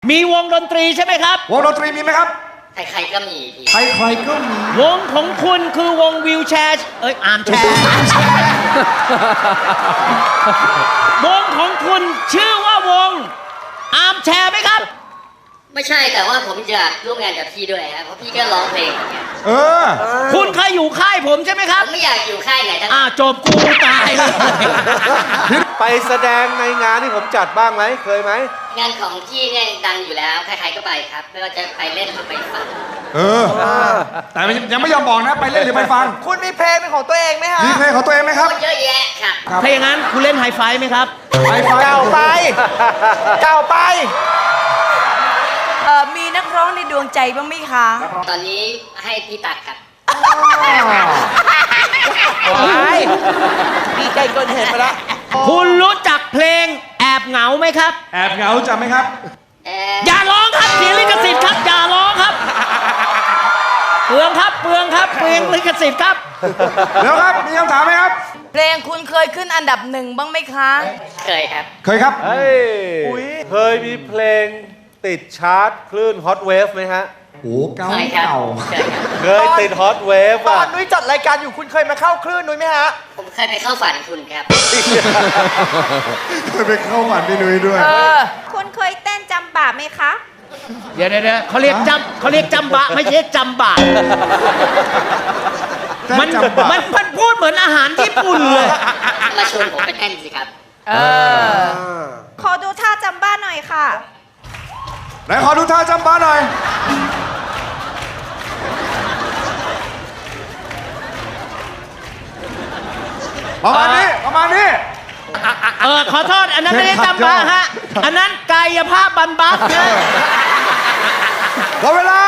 มีวงดนตรีใช่ไหมครับวงดนตรีมีไหมครับใครๆก็มีพี่ใครๆก็มีวงของคุณคือวงวิวแชร์อาร์มแชร์วงของคุณชื่อว่าวงอาร์มแชร์ไหมครับไม่ใช่แต่ว่าผมจะร่วมงานกับพี่ด้วยครับเพราะพี่ก็ร้องเพลงอย่างเงี้ยคุณเคยอยู่ค่ายผมใช่ไหมคผรับมไม่อยากอยู่ค่ายไหนทั้งจบกูตายเลยไปแสดงในงานที่ผมจัดบ้างไหมเคยไหมงานของพี่เนี่ยดังอยู่แล้วใครๆก็ไปครับไม่ว่าจะไปเล่นหรือไปฟังแต่ยังไม่ยอมบอกนะไปเล่นหรือไปฟังคุณมีเพลงเป็นของตัวเองไหมฮะมีเพลงของตัวเองไหมครับโอ้เยอะแยะครับถ้าอย่างนั้นคุณเล่นไฮไฟว์ไหมครับไปฟังเก่าไป เก่าไปมีนักร้องในดวงใจบ้างไหมคะตอนนี้ให้พี่ตัดครับดีใจเกินเหตุไปแล้วคุณรู้จักเพลงแอบเหงาไหมครับแอบเหงาจำไหมครับอย่าร้องครับเสียลิขสิทธิ์ครับอย่าร้องครับเปลืองครับเปลืองครับเปลืองลิขสิทธิ์ครับแล้วครับมีคำถามไหมครับเพลงคุณเคยขึ้นอันดับหนึ่งบ้างไหมคะเคยครับเคยครับเฮ้ยเคยมีเพลงติดชาร์ตคลื่นฮอตเวฟไหมฮะโอ้เก่าเคยครับเก่าเคยครับเคยติดฮอตเวฟตออ่ะนนุ้ยจัดรายการอยู่คุณเคยมาเข้าคลื่นนุ้ยไหมฮะผมเคยไปเข้าฝันคุณครับเคยไปเข้าฝันพี่นุ้ยด้วยคุณเคยเต้นจำบาปไหมคะเดี๋ยวเขาเรียกจำบะไม่ใช่จำบะมันจำบะมันพูดเหมือนอาหารญี่ปุ่นเลยมาชวนผมไปเต้นสิครับขอดูท่าจำบ้าหน่อยค่ะไหนขอดูท่าจำบ้าหน่อย ประมาณนี้ ประมาณนี้ขอโทษอันนั้นไม่ได้จำบะฮะ อันนั้นกายภาพบำบัดนะหมดเวลา